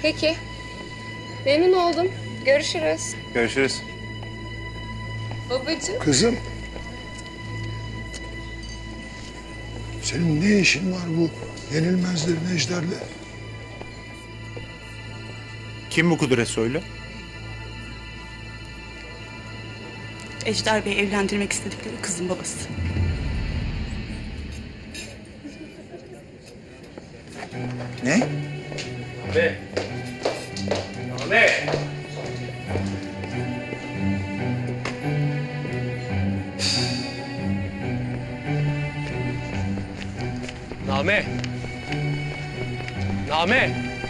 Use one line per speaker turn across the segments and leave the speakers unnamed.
Peki. Memnun oldum. Görüşürüz.
Görüşürüz.
Babacığım.
Kızım. Senin ne işin var bu yenilmezlerin Ejder'le?
Kim bu Kudret Soylu?
Ejder Bey evlendirmek istedikleri kızın babası.
Ne?
Name. Name. Name. Name.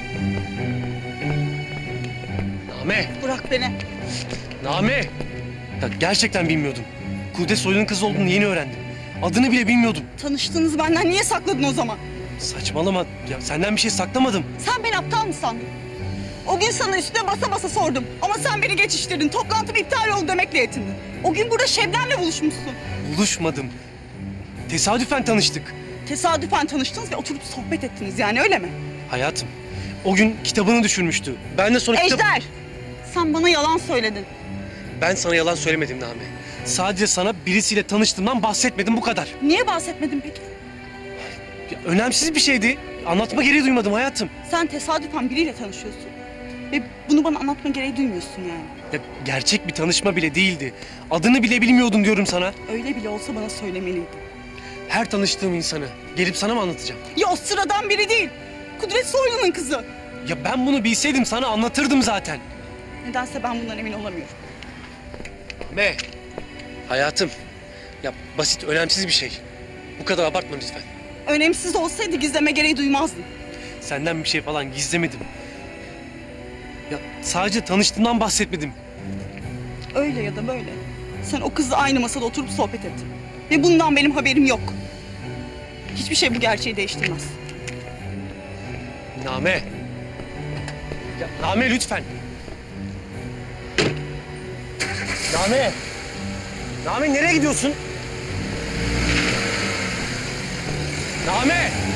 Name.
Bırak beni.
Name. Ya gerçekten bilmiyordum. Kudret Soylu'nun kızı olduğunu yeni öğrendim. Adını bile bilmiyordum.
Tanıştığınızı benden niye sakladın o zaman?
Saçmalama. Ya senden bir şey saklamadım.
Sen beni aptal mı sandın? O gün sana üstüne basa basa sordum. Ama sen beni geçiştirdin. Toplantım iptal oldu demekle yetindin. O gün burada Şebnem'le buluşmuşsun.
Buluşmadım. Tesadüfen tanıştık.
Tesadüfen tanıştınız ve oturup sohbet ettiniz yani öyle mi?
Hayatım, o gün kitabını düşürmüştü. Ben de sonra
Ejder! Sen bana yalan söyledin.
Ben sana yalan söylemedim Name. Sadece sana birisiyle tanıştığımdan bahsetmedim, bu kadar.
Niye bahsetmedin peki?
Ya, önemsiz bir şeydi. Anlatma gereği duymadım hayatım.
Sen tesadüfen biriyle tanışıyorsun. Ve bunu bana anlatma gereği duymuyorsun yani.
Ya, gerçek bir tanışma bile değildi. Adını bile bilmiyordum diyorum sana.
Öyle bile olsa bana söylemeliydin.
Her tanıştığım insanı gelip sana mı anlatacağım?
Ya o sıradan biri değil. Kudret Soylu'nun kızı.
Ya ben bunu bilseydim sana anlatırdım zaten.
Nedense ben bundan emin olamıyorum.
Me. Hayatım. Ya basit, önemsiz bir şey. Bu kadar abartma lütfen.
Önemsiz olsaydı gizleme gereği duymazdın.
Senden bir şey falan gizlemedim. Ya sadece tanıştığımdan bahsetmedim.
Öyle ya da böyle. Sen o kızla aynı masada oturup sohbet ettin. Ve bundan benim haberim yok. Hiçbir şey bu gerçeği değiştirmez.
Name. Ya Name lütfen. Name. Name nereye gidiyorsun? Name.